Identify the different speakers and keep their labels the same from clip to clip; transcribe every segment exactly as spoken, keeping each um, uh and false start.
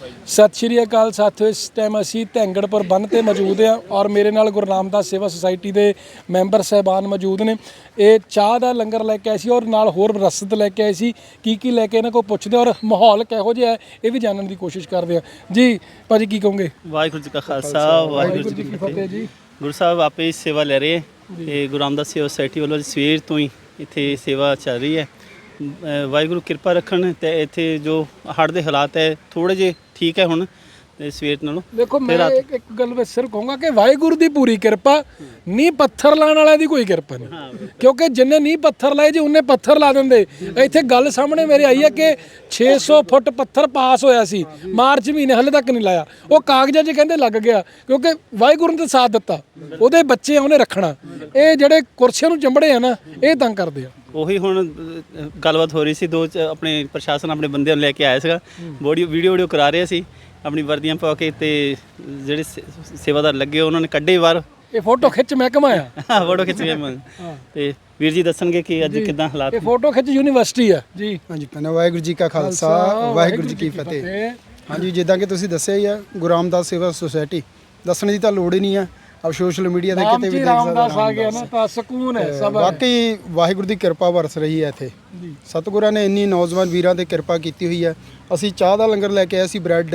Speaker 1: ਸਤਿ ਸ਼੍ਰੀ ਅਕਾਲ ਸਾਥੀਓ, ਇਸ ਟਾਈਮ ਅਸੀਂ ਧੈਂਗੜਪੁਰ ਬੰਨ੍ਹ ਤੇ ਮੌਜੂਦ ਹਾਂ ਔਰ ਮੇਰੇ ਨਾਲ ਗੁਰੂ ਰਾਮਦਾਸ ਸੇਵਾ ਸੁਸਾਇਟੀ ਦੇ ਮੈਂਬਰ ਸਾਹਿਬਾਨ ਮੌਜੂਦ ਨੇ। ਇਹ ਚਾਹ ਦਾ ਲੰਗਰ ਲੈ ਕੇ ਆਏ ਸੀ ਔਰ ਨਾਲ ਹੋਰ ਰਸਦ ਲੈ ਕੇ ਆਏ ਸੀ। ਕੀ ਕੀ ਲੈ ਕੇ ਇਹਨਾਂ ਕੋਲ ਪੁੱਛਦੇ ਔਰ ਮਾਹੌਲ ਕਿਹੋ ਜਿਹਾ ਹੈ ਇਹ ਵੀ ਜਾਣਨ ਦੀ ਕੋਸ਼ਿਸ਼ ਕਰਦੇ ਆ। ਜੀ ਭਾਜੀ ਕੀ ਕਹੋਗੇ?
Speaker 2: ਵਾਹਿਗੁਰੂ ਜੀ ਕਾ ਖਾਲਸਾ ਵਾਹਿਗੁਰੂ ਜੀ ਕੀ ਫਤਿਹ ਜੀ। ਗੁਰੂ ਸਾਹਿਬ ਆਪੇ ਸੇਵਾ ਲੈ ਰਹੇ ਤੇ ਗੁਰੂ ਰਾਮਦਾਸ ਸੇਵਾ ਸੁਸਾਇਟੀ ਵੱਲੋਂ ਸਵੇਰ ਤੋਂ ਹੀ ਇੱਥੇ ਸੇਵਾ ਚੱਲ ਰਹੀ ਹੈ। ਵਾਹਿਗੁਰੂ ਕਿਰਪਾ ਰੱਖਣ ਤੇ ਇੱਥੇ ਜੋ ਹੜ੍ਹ ਦੇ ਹਾਲਾਤ ਹੈ ਥੋੜੇ ਜਿਹੇ ਠੀਕ ਹੈ ਹੁਣ ਤੇ ਸਵੇਰ ਨਾਲੋਂ।
Speaker 1: ਦੇਖੋ ਮੈਂ ਇੱਕ ਇੱਕ ਗੱਲ ਵਿੱਚ ਸਿਰ ਕਹੂੰਗਾ ਕਿ ਵਾਹਿਗੁਰੂ ਦੀ ਪੂਰੀ ਕਿਰਪਾ, ਨੀਂਹ ਪੱਥਰ ਲਾਉਣ ਵਾਲਿਆਂ ਦੀ ਕੋਈ ਕਿਰਪਾ ਨਹੀਂ। ਕਿਉਂਕਿ ਜਿੰਨੇ ਨੀਂਹ ਪੱਥਰ ਲਾਏ ਜੇ ਉਹਨੇ ਪੱਥਰ ਲਾ ਦਿੰਦੇ। ਇੱਥੇ ਗੱਲ ਸਾਹਮਣੇ ਮੇਰੇ ਆਈ ਹੈ ਕਿ ਛੇ ਸੌ ਫੁੱਟ ਪੱਥਰ ਪਾਸ ਹੋਇਆ ਸੀ ਮਾਰਚ ਮਹੀਨੇ, ਹਲੇ ਤੱਕ ਨਹੀਂ ਲਾਇਆ। ਉਹ ਕਾਗਜ਼ਾਂ 'ਚ ਕਹਿੰਦੇ ਲੱਗ ਗਿਆ ਕਿਉਂਕਿ ਵਾਹਿਗੁਰੂ ਨੇ ਤਾਂ ਸਾਥ ਦਿੱਤਾ, ਉਹਦੇ ਬੱਚੇ ਉਹਨੇ ਰੱਖਣਾ। ਇਹ ਜਿਹੜੇ ਕੁਰਸੀਆਂ ਨੂੰ ਚੰਬੜੇ ਆ ਨਾ, ਇਹ ਤੰਗ ਕਰਦੇ ਆ।
Speaker 2: ਉਹੀ ਹੁਣ ਗੱਲਬਾਤ ਹੋ ਰਹੀ ਸੀ, ਦੋ ਆਪਣੇ ਪ੍ਰਸ਼ਾਸਨ ਆਪਣੇ ਬੰਦਿਆਂ ਨੂੰ ਲੈ ਕੇ ਆਇਆ ਸੀਗਾ, ਬੋਡੀ ਵੀਡੀਓ ਵੀਡੀਓ ਕਰਾ ਰਹੇ ਸੀ ਆਪਣੀ ਵਰਦੀਆਂ ਪਾ ਕੇ ਤੇ ਜਿਹੜੇ ਸੇਵਾਦਾਰ ਲੱਗੇ ਉਹਨਾਂ ਨੇ ਕੱਢੇ ਬਾਹਰ।
Speaker 1: ਇਹ ਫੋਟੋ ਖਿੱਚ ਮਹਿਕਮਾ ਆ,
Speaker 2: ਫੋਟੋ ਖਿੱਚ ਮੈਂ ਤੇ ਵੀਰ ਜੀ ਦੱਸਣਗੇ ਕਿ ਅੱਜ ਕਿਦਾਂ ਹਾਲਾਤ।
Speaker 1: ਇਹ ਫੋਟੋ ਖਿੱਚ ਯੂਨੀਵਰਸਿਟੀ ਆ ਜੀ।
Speaker 3: ਹਾਂਜੀ ਪਹਿਲਾਂ ਵਾਹਿਗੁਰੂ ਜੀ ਕਾ ਖਾਲਸਾ ਵਾਹਿਗੁਰੂ ਜੀ ਕੀ ਫਤਿਹ। ਹਾਂਜੀ ਜਿੱਦਾਂ ਕਿ ਤੁਸੀਂ ਦੱਸਿਆ ਹੀ ਆ, ਗੁਰੂ ਰਾਮਦਾਸ ਸੇਵਾ ਸੁਸਾਇਟੀ ਦੱਸਣ ਦੀ ਤਾਂ ਲੋੜ ਹੀ ਨਹੀਂ ਆ। अब सोशल मीडिया ਤੇ ਕਿਤੇ ਵੀ ਦੇਖ
Speaker 1: ਰਾਮਦਾਸ ਆ ਗਿਆ ਨਾ ਤਾਂ ਸਕੂਨ ਹੈ ਸਭ।
Speaker 3: ਵਾਕਈ ਵਾਹਿਗੁਰੂ ਦੀ ਕਿਰਪਾ ਵਰਸ ਰਹੀ ਹੈ ਇੱਥੇ। ਸਤਿਗੁਰਾਂ ਨੇ ਇੰਨੀ ਨੌਜਵਾਨ ਵੀਰਾਂ ਤੇ ਕਿਰਪਾ ਕੀਤੀ ਹੋਈ ਹੈ। ਅਸੀਂ ਚਾਹ ਦਾ ਲੰਗਰ ਲੈ ਕੇ ਆਏ ਸੀ, ਬ੍ਰੈਡ,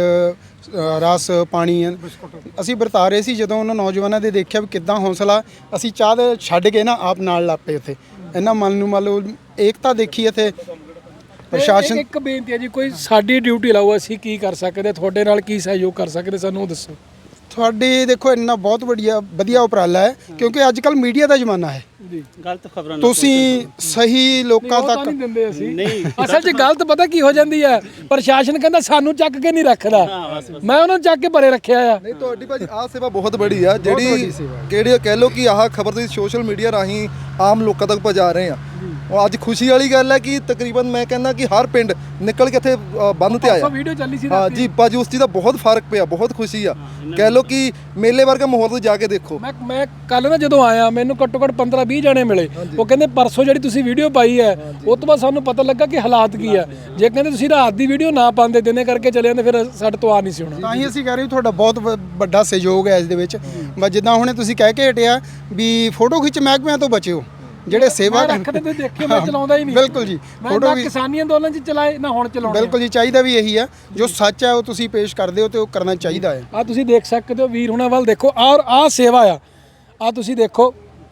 Speaker 3: ਰਸ, ਪਾਣੀ ਅਸੀਂ ਵਰਤਾ ਰਹੇ ਸੀ। ਜਦੋਂ ਉਹਨਾਂ ਨੌਜਵਾਨਾਂ ਦੇ ਦੇਖਿਆ ਵੀ ਕਿੱਦਾਂ ਹੌਸਲਾ, ਅਸੀਂ ਚਾਹ ਦੇ ਛੱਡ ਕੇ ਨਾ ਆਪ ਨਾਲ ਲੱਪੇ ਉੱਥੇ। ਇਹਨਾਂ ਮਨ ਨੂੰ ਮੰਨ ਲਓ ਏਕਤਾ ਦੇਖੀ ਇੱਥੇ। ਪ੍ਰਸ਼ਾਸਨ
Speaker 1: ਇੱਕ ਬੇਨਤੀ ਹੈ ਜੀ, ਕੋਈ ਸਾਡੀ ਡਿਊਟੀ ਲਾਓ, ਅਸੀਂ ਕੀ ਕਰ ਸਕਦੇ, ਤੁਹਾਡੇ ਨਾਲ ਕੀ ਸਹਿਯੋਗ ਕਰ ਸਕਦੇ, ਸਾਨੂੰ ਦੱਸੋ।
Speaker 3: ਤੁਹਾਡੇ ਦੇਖੋ ਇੰਨਾ ਬਹੁਤ ਵਧੀਆ ਵਧੀਆ ਉਪਰਾਲਾ ਹੈ ਕਿਉਂਕਿ ਅੱਜ ਕੱਲ ਮੀਡੀਆ ਦਾ ਜ਼ਮਾਨਾ ਹੈ।
Speaker 2: ਗਲਤ ਖਬਰਾਂ
Speaker 3: ਤੁਸੀਂ ਸਹੀ ਲੋਕਾਂ ਤੱਕ
Speaker 1: ਨਹੀਂ ਦਿੰਦੇ ਅਸੀਂ। ਅਸਲ 'ਚ ਗਲਤ ਪਤਾ ਕੀ ਹੋ ਜਾਂਦੀ ਹੈ, ਪ੍ਰਸ਼ਾਸਨ ਕਹਿੰਦਾ ਸਾਨੂੰ ਚੱਕ ਕੇ ਨਹੀਂ ਰੱਖਦਾ, ਮੈਂ ਉਹਨਾਂ ਨੂੰ ਚੱਕ ਕੇ ਪਰੇ ਰੱਖਿਆ ਆ।
Speaker 4: ਨਹੀਂ ਤੁਹਾਡੀ ਭਾਜੀ ਆਹ ਸੇਵਾ ਬਹੁਤ ਬੜੀ ਆ, ਜਿਹੜੀ ਕਿਹੜੀ ਕਹਿ ਲਓ ਕਿ ਆਹ ਖਬਰ ਤੁਸੀਂ ਸੋਸ਼ਲ ਮੀਡੀਆ ਰਾਹੀਂ ਆਮ ਲੋਕਾਂ ਤੱਕ ਪਹੁੰਚਾ ਰਹੇ ਆ। ਉਹ ਅੱਜ ਖੁਸ਼ੀ ਵਾਲੀ ਗੱਲ ਹੈ ਕਿ ਤਕਰੀਬਨ ਮੈਂ ਕਹਿੰਦਾ ਕਿ ਹਰ ਪਿੰਡ ਨਿਕਲ ਕੇ ਇੱਥੇ ਬੰਦ ਤੇ ਆਇਆ।
Speaker 1: ਵੀਡੀਓ ਚੱਲੀ ਸੀ
Speaker 4: ਹਾਂ ਜੀ ਭਾਜੀ, ਉਸ ਚੀਜ਼ ਦਾ ਬਹੁਤ ਫਰਕ ਪਿਆ, ਬਹੁਤ ਖੁਸ਼ੀ ਆ। ਕਹਿ ਲਓ ਕਿ ਮੇਲੇ ਵਰਗਾ ਮਾਹੌਲ ਤੁਸੀਂ ਜਾ ਕੇ ਦੇਖੋ।
Speaker 1: ਮੈਂ ਮੈਂ ਕੱਲ ਨਾ ਜਦੋਂ ਆਇਆ ਮੈਨੂੰ ਘੱਟੋ ਘੱਟ ਪੰਦਰਾਂ ਵੀਹ ਜਣੇ ਮਿਲੇ। ਉਹ ਕਹਿੰਦੇ ਪਰਸੋਂ ਜਿਹੜੀ ਤੁਸੀਂ ਵੀਡੀਓ ਪਾਈ ਹੈ ਉਹ ਤੋਂ ਬਾਅਦ ਸਾਨੂੰ ਪਤਾ ਲੱਗਾ ਕਿ ਹਾਲਾਤ ਕੀ ਆ। ਜੇ ਕਹਿੰਦੇ ਤੁਸੀਂ ਰਾਤ ਦੀ ਵੀਡੀਓ ਨਾ ਪਾਉਂਦੇ, ਦਿਨੇ ਕਰਕੇ ਚਲੇ ਜਾਂਦੇ, ਫਿਰ ਸਾਡੇ ਤੋਂ ਆ ਨਹੀਂ ਸੀ ਹੋਣਾ।
Speaker 3: ਤਾਂ ਹੀ ਅਸੀਂ ਕਹਿ ਰਹੇ ਤੁਹਾਡਾ ਬਹੁਤ ਵੱਡਾ ਸਹਿਯੋਗ ਹੈ ਇਸ ਦੇ ਵਿੱਚ। ਬਸ ਜਿੱਦਾਂ ਹੁਣੇ ਤੁਸੀਂ ਕਹਿ ਕੇ ਹਟਿਆ ਵੀ ਫੋਟੋ ਖਿੱਚ ਮਹਿਕਮਿਆਂ ਤੋਂ ਬਚਿਓ, ਜਿਹੜੇ ਸੇਵਾ
Speaker 1: ਰੱਖਦੇ ਤੇ ਦੇਖਿਓ, ਮੈਂ ਚਲਾਉਂਦਾ ਹੀ ਨਹੀਂ।
Speaker 3: ਬਿਲਕੁਲ ਜੀ,
Speaker 1: ਫੋਟੋ ਵੀ ਕਿਸਾਨੀ ਅੰਦੋਲਨ 'ਚ ਚਲਾਏ ਨਾ ਹੁਣ ਚਲਾਉਣਾ।
Speaker 3: ਬਿਲਕੁਲ ਜੀ, ਚਾਹੀਦਾ ਵੀ ਇਹੀ ਆ। ਜੋ ਸੱਚ ਹੈ ਉਹ ਤੁਸੀਂ ਪੇਸ਼ ਕਰਦੇ ਹੋ ਤੇ ਉਹ ਕਰਨਾ ਚਾਹੀਦਾ ਹੈ।
Speaker 1: ਆ ਤੁਸੀਂ ਦੇਖ ਸਕਦੇ ਹੋ ਵੀਰ ਹੁਣਾਂ ਵੱਲ ਦੇਖੋ, ਔਰ ਆਹ ਸੇਵਾ ਆ। ਆ ਤੁਸੀਂ ਦੇਖੋ,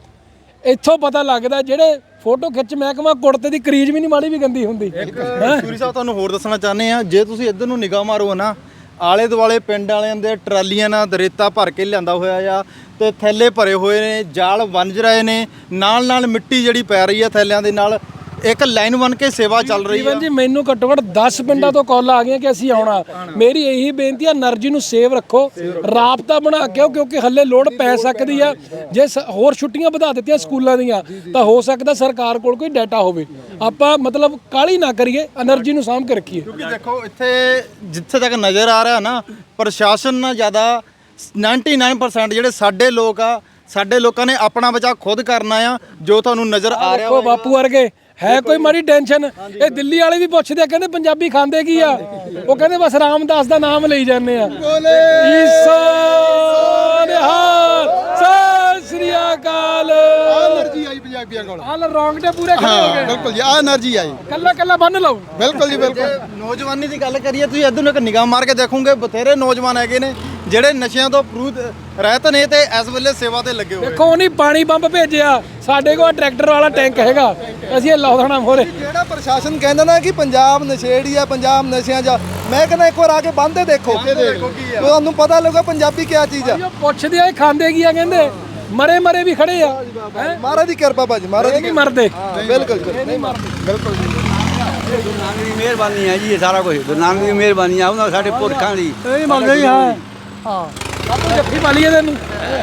Speaker 1: ਇੱਥੋਂ ਪਤਾ ਲੱਗਦਾ ਜਿਹੜੇ ਫੋਟੋ ਖਿੱਚ ਮਹਿਕਮਾ ਕੁੜਤੇ ਦੀ ਕਰੀਜ਼ ਵੀ ਨਹੀਂ ਮਾੜੀ ਵੀ ਗੰਦੀ ਹੁੰਦੀ।
Speaker 4: ਸੂਰੀ ਸਾਹਿਬ ਤੁਹਾਨੂੰ ਹੋਰ ਦੱਸਣਾ ਚਾਹੁੰਦੇ ਆ, ਜੇ ਤੁਸੀਂ ਇੱਧਰ ਨੂੰ ਨਿਗਾਹ ਮਾਰੋ ਨਾ, ਆਲੇ ਦੁਆਲੇ ਪਿੰਡ ਵਾਲਿਆਂ ਦੇ ਟਰਾਲੀਆਂ ਨਾਲ ਦਰੇਤਾ ਭਰ ਕੇ ਲਿਆਂਦਾ ਹੋਇਆ ਆ ਤੇ ਥੈਲੇ ਭਰੇ ਹੋਏ ਨੇ, ਜਾਲ ਵੰਜ ਰਹੇ ਨੇ, ਨਾਲ ਨਾਲ ਮਿੱਟੀ ਜਿਹੜੀ ਪੈ ਰਹੀ ਆ ਥੈਲਿਆਂ ਦੇ ਨਾਲ। ਇੱਕ ਲਾਈਨ ਬਣ ਕੇ ਸੇਵਾ ਚੱਲ ਰਹੀ ਹੈ
Speaker 1: ਜੀ। ਮੈਨੂੰ ਘੱਟੋ ਘੱਟ ਦਸ ਪਿੰਡਾਂ ਤੋਂ ਕਾਲਾਂ ਆ ਗਈਆਂ ਕਿ ਅਸੀਂ ਆਉਣਾ। ਮੇਰੀ ਇਹੀ ਬੇਨਤੀ ਆ, એનર્ਜੀ ਨੂੰ ਸੇਵ ਰੱਖੋ, ਰਾਬਤਾ ਬਣਾ ਕੇ ਆਓ ਕਿਉਂਕਿ ਹੱਲੇ ਲੋੜ ਪੈ ਸਕਦੀ ਆ। ਜੇ ਹੋਰ ਛੁੱਟੀਆਂ ਵਧਾ ਦਿੱਤੀਆਂ ਸਕੂਲਾਂ ਦੀਆਂ ਤਾਂ ਹੋ ਸਕਦਾ ਸਰਕਾਰ ਕੋਲ ਕੋਈ ਡਾਟਾ ਹੋਵੇ। ਆਪਾਂ ਮਤਲਬ ਕਾਹਲੀ ਨਾ ਕਰੀਏ, એનર્ਜੀ ਨੂੰ ਸਾਂਭ ਕੇ ਰੱਖੀਏ।
Speaker 4: ਕਿਉਂਕਿ ਦੇਖੋ ਇੱਥੇ ਜਿੱਥੇ ਤੱਕ ਨਜ਼ਰ ਆ ਰਿਹਾ ਨਾ, ਪ੍ਰਸ਼ਾਸਨ ਨਾਲ ਜ਼ਿਆਦਾ ਨਿन्यानवे परसेंट ਜਿਹੜੇ ਸਾਡੇ ਲੋਕ ਆ, ਸਾਡੇ ਲੋਕਾਂ ਨੇ ਆਪਣਾ ਬਚਾਅ ਖੁਦ ਕਰਨਾ ਆ। ਜੋ ਤੁਹਾਨੂੰ ਨਜ਼ਰ ਆ ਰਿਹਾ
Speaker 1: ਦੇਖੋ ਬਾਪੂ ਵਰਗੇ ਹੈ ਕੋਈ ਮਾੜੀ ਟੈਨਸ਼ਨ। ਇਹ ਦਿੱਲੀ ਵਾਲੇ ਵੀ ਪੁੱਛਦੇ ਆ, ਕਹਿੰਦੇ ਪੰਜਾਬੀ ਖਾਂਦੇ ਕੀ ਆ? ਉਹ ਕਹਿੰਦੇ ਬਸ ਰਾਮਦਾਸ ਦਾ ਨਾਮ ਲਈ ਜਾਂਦੇ ਆ। ਈਸਾ ਨਿਹਾਲ, ਸਤਿ ਸ੍ਰੀ ਅਕਾਲ।
Speaker 3: એનર્ਜੀ ਆਈ ਪੰਜਾਬੀਆਂ ਕੋਲ,
Speaker 1: ਆਲ ਰੌਂਗਟੇ ਪੂਰੇ ਖੜੇ ਹੋ ਗਏ।
Speaker 3: ਬਿਲਕੁਲ ਜੀ, ਆ એનર્ਜੀ ਆਈ।
Speaker 1: ਕੱਲਾ ਕੱਲਾ ਬੰਨ ਲਓ।
Speaker 3: ਬਿਲਕੁਲ ਜੀ, ਬਿਲਕੁਲ।
Speaker 4: ਨੌਜਵਾਨੀ ਦੀ ਗੱਲ ਕਰੀਏ, ਤੁਸੀਂ ਇੱਧਰ ਨੂੰ ਇੱਕ ਨਿਗਾਹ ਮਾਰ ਕੇ ਦੇਖੋਗੇ, ਬਥੇਰੇ ਨੌਜਵਾਨ ਹੈਗੇ ਨੇ ਜਿਹੜੇ ਨਸ਼ਿਆਂ ਤੋਂ ਪਰੂਤ ਰਹਿਤ ਨੇ ਤੇ ਇਸ ਵੇਲੇ ਸੇਵਾ ਤੇ ਲੱਗੇ ਹੋਏ।
Speaker 1: ਦੇਖੋ ਉਹਨੇ ਪਾਣੀ ਪੰਪ ਭੇਜਿਆ, ਸਾਡੇ ਕੋਲ ਟਰੈਕਟਰ ਵਾਲਾ ਟੈਂਕ ਹੈਗਾ, ਅਸੀਂ ਇਹ ਲਾ ਦੇਣਾ ਮੋਰੇ।
Speaker 4: ਜਿਹੜਾ ਪ੍ਰਸ਼ਾਸਨ ਕਹਿੰਦਾ ਨਾ ਕਿ ਪੰਜਾਬ ਨਸ਼ੇੜੀ ਆ, ਪੰਜਾਬ ਨਸ਼ਿਆਂ 'ਚ, ਮੈਂ ਕਹਿੰਦਾ ਇੱਕ ਵਾਰ ਆ ਕੇ ਬੰਨ੍ਹਦੇ ਦੇਖੋ, ਤੁਹਾਨੂੰ ਪਤਾ ਲੱਗਾ ਪੰਜਾਬੀ ਕੀ ਚੀਜ਼ ਆ।
Speaker 1: ਪੁੱਛਦੇ ਆ ਇਹ ਖਾਂਦੇ ਕੀ ਆ, ਕਹਿੰਦੇ ਮਰੇ ਮਰੇ ਵੀ ਖੜੇ ਆ।
Speaker 4: ਮਹਾਰਾਜ ਦੀ ਕਿਰਪਾ ਭਾਜੀ, ਮਹਾਰਾਜ
Speaker 1: ਨਹੀਂ ਮਰਦੇ।
Speaker 4: ਬਿਲਕੁਲ
Speaker 1: ਨਹੀਂ ਮਰਦੇ,
Speaker 4: ਬਿਲਕੁਲ ਜੀ।
Speaker 5: ਗੁਰੂ ਨਾਨਕ ਦੀ ਮਿਹਰਬਾਨੀ ਹੈ ਜੀ, ਇਹ ਸਾਰਾ ਕੁਝ ਗੁਰੂ ਨਾਨਕ ਦੀ ਮਿਹਰਬਾਨੀ ਆ, ਉਹਨਾਂ ਸਾਡੇ ਪੁਰਖਾਂ ਦੀ।
Speaker 1: ਇਹ ਮੰਨਦੇ ਹੀ ਹਾਂ। ਹਾਂ ਬਾਪੂ ਜੱਫੀ ਪਾ ਲਈਏ ਤੈਨੂੰ।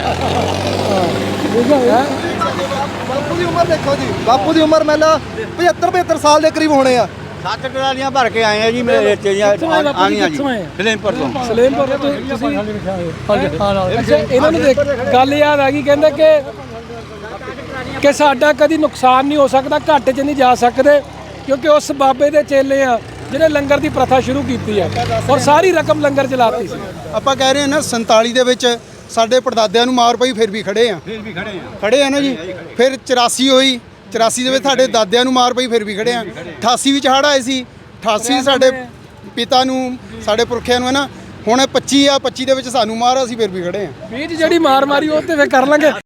Speaker 4: ਬਾਪੂ ਦੀ ਉਮਰ ਦੇਖੋ ਜੀ, ਬਾਪੂ ਦੀ ਉਮਰ ਮੈਨਾਂ ਪਝੱਤਰ ਪਝੱਤਰ ਸਾਲ ਦੇ ਕਰੀਬ ਹੋਣੇ ਆ।
Speaker 5: ਸੱਤ ਟਰਾਲੀਆਂ ਭਰ ਕੇ ਆਏ ਆ ਜੀ ਮੇਰੇ ਰੇਤੇ ਦੀਆਂ ਆਣੀਆਂ ਜੀ, ਸਲੇਮਪੁਰ ਤੋਂ।
Speaker 1: ਸਲੇਮਪੁਰ ਤੋਂ ਤੁਸੀਂ ਅੱਛਾ, ਇਹਨਾਂ ਨੂੰ ਦੇਖ ਗੱਲ ਯਾਦ ਆ ਗਈ, ਕਹਿੰਦੇ ਕਿ ਕਿ ਸਾਡਾ ਕਦੀ ਨੁਕਸਾਨ ਨਹੀਂ ਹੋ ਸਕਦਾ, ਘਾਟੇ 'ਚ ਨਹੀਂ ਜਾ ਸਕਦੇ ਕਿਉਂਕਿ ਉਸ ਬਾਬੇ ਦੇ ਚੇਲੇ ਆ। ਜਿਹਨੇ ਲੰਗਰ ਦੀ ਪ੍ਰਥਾ ਸ਼ੁਰੂ ਕੀਤੀ ਹੈ ਔਰ ਸਾਰੀ ਰਕਮ ਲੰਗਰ ਚਲਾਤੀ ਸੀ।
Speaker 3: ਆਪਾਂ ਕਹਿ ਰਹੇ ਹਾਂ ਨਾ ਸੰਤਾਲੀ ਦੇ ਵਿੱਚ ਸਾਡੇ ਪੜਦਾਦਿਆਂ ਨੂੰ ਮਾਰ ਪਈ, ਫਿਰ ਵੀ ਖੜੇ ਆ ਫਿਰ ਵੀ ਖੜੇ ਆ ਖੜੇ ਆ ਨਾ ਜੀ। ਫਿਰ ਚੁਰਾਸੀ ਹੋਈ, ਚੁਰਾਸੀ ਦੇ ਵਿੱਚ ਸਾਡੇ ਦਾਦਿਆਂ ਨੂੰ ਮਾਰ ਪਈ, ਫਿਰ ਵੀ ਖੜੇ ਆ। ਅਠਾਸੀ ਵਿੱਚ ਹੜ੍ਹ ਆਏ ਸੀ, ਅਠਾਸੀ ਸਾਡੇ ਪਿਤਾ ਨੂੰ, ਸਾਡੇ ਪੁਰਖਿਆਂ ਨੂੰ ਹੈ ਨਾ। ਹੁਣ ਪੱਚੀ ਆ, ਪੱਚੀ ਦੇ ਵਿੱਚ ਸਾਨੂੰ ਮਾਰ, ਅਸੀਂ ਫਿਰ ਵੀ ਖੜੇ ਆ।
Speaker 1: ਵੀਰ ਜੀ ਜਿਹੜੀ ਮਾਰ ਮਾਰੀ ਉਹ ਤੇ ਫਿਰ ਕਰ ਲਾਂਗੇ।